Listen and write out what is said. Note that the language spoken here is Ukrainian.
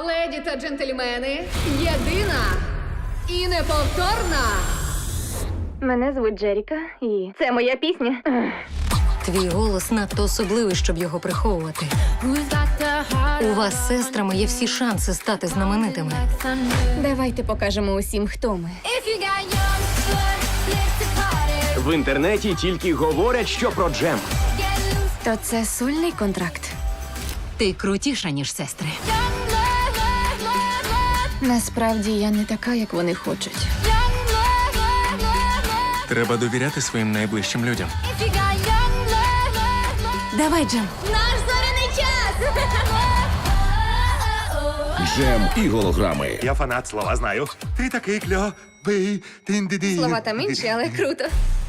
Леді та джентльмени, єдина і неповторна. Мене звуть Джеріка, і це моя пісня. Твій голос надто особливий, щоб його приховувати. У вас з сестрами є всі шанси стати знаменитими. Давайте покажемо усім, хто ми. В інтернеті тільки говорять, що про Джем. То це сольний контракт. Ти крутіша, ніж сестри. Насправді я не така, як вони хочуть. Треба довіряти своїм найближчим людям. Давай, Джем. Наш зоряний час! Джем і голограми. Я фанат, слова знаю. Ти такий кльовий. Тин-ди-ди. Слова там інші, але круто.